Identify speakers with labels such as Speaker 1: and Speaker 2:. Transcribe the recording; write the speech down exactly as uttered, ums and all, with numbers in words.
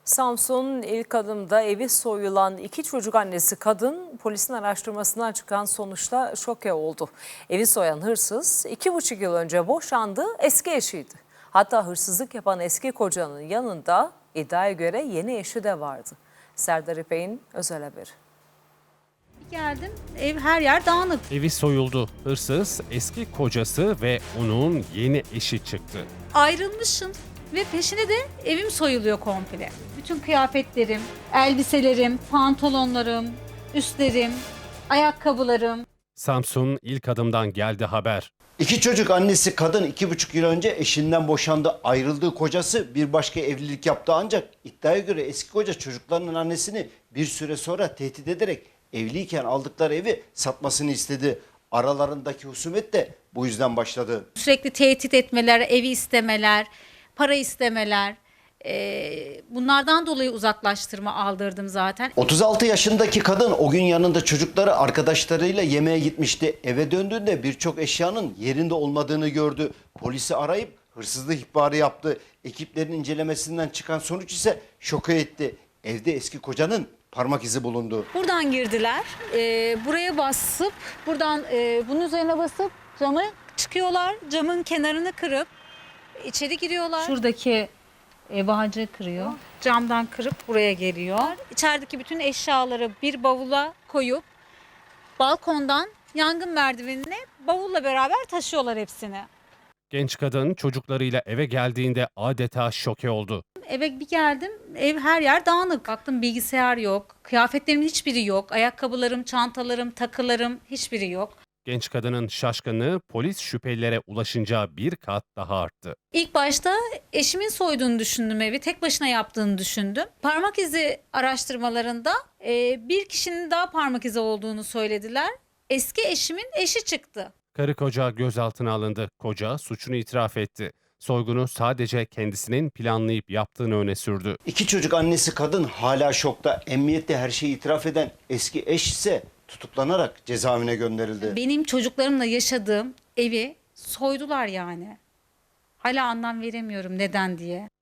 Speaker 1: Samsun'un ilk adımda evi soyulan iki çocuk annesi kadın polisin araştırmasından çıkan sonuçla şoke oldu. Evi soyan hırsız iki buçuk yıl önce boşandığı eski eşiydi. Hatta hırsızlık yapan eski kocanın yanında iddiaya göre yeni eşi de vardı. Serdar İpek'in özel haberi.
Speaker 2: Geldim, ev her yer dağınık.
Speaker 3: Evi soyuldu. Hırsız eski kocası ve onun yeni eşi çıktı.
Speaker 2: Ayrılmışım ve peşine de evim soyuluyor komple. Bütün kıyafetlerim, elbiselerim, pantolonlarım, üstlerim, ayakkabılarım.
Speaker 3: Samsun ilk adımdan geldi haber.
Speaker 4: İki çocuk annesi kadın iki buçuk yıl önce eşinden boşandı. Ayrıldığı kocası bir başka evlilik yaptı ancak iddiaya göre eski koca çocuklarının annesini bir süre sonra tehdit ederek evliyken aldıkları evi satmasını istedi. Aralarındaki husumet de bu yüzden başladı.
Speaker 2: Sürekli tehdit etmeler, evi istemeler, para istemeler. Ee, bunlardan dolayı uzaklaştırma aldırdım zaten.
Speaker 4: otuz altı yaşındaki kadın o gün yanında çocukları arkadaşlarıyla yemeğe gitmişti. Eve döndüğünde birçok eşyanın yerinde olmadığını gördü. Polisi arayıp hırsızlık ihbarı yaptı. Ekiplerin incelemesinden çıkan sonuç ise şoka etti. Evde eski kocanın parmak izi bulundu.
Speaker 2: Buradan girdiler, ee, buraya basıp, buradan e, bunun üzerine basıp camı çıkıyorlar. Camın kenarını kırıp içeri giriyorlar. Şuradaki e, bağcığı kırıyor. Camdan kırıp buraya geliyor. İçerideki bütün eşyaları bir bavula koyup balkondan yangın merdivenine bavulla beraber taşıyorlar hepsini.
Speaker 3: Genç kadın çocuklarıyla eve geldiğinde adeta şoke oldu.
Speaker 2: Eve bir geldim, ev her yer dağınık. Baktım bilgisayar yok, kıyafetlerimin hiçbiri yok. Ayakkabılarım, çantalarım, takılarım hiçbiri yok.
Speaker 3: Genç kadının şaşkınlığı polis şüphelilere ulaşınca bir kat daha arttı.
Speaker 2: İlk başta eşimin soyduğunu düşündüm evi, tek başına yaptığını düşündüm. Parmak izi araştırmalarında e, bir kişinin daha parmak izi olduğunu söylediler. Eski eşimin eşi çıktı.
Speaker 3: Karı koca gözaltına alındı. Koca suçunu itiraf etti. Soygunu sadece kendisinin planlayıp yaptığını öne sürdü.
Speaker 4: İki çocuk annesi kadın hala şokta. Emniyette her şeyi itiraf eden eski eş ise tutuklanarak cezaevine gönderildi.
Speaker 2: Benim çocuklarımla yaşadığım evi soydular yani. Hala anlam veremiyorum neden diye.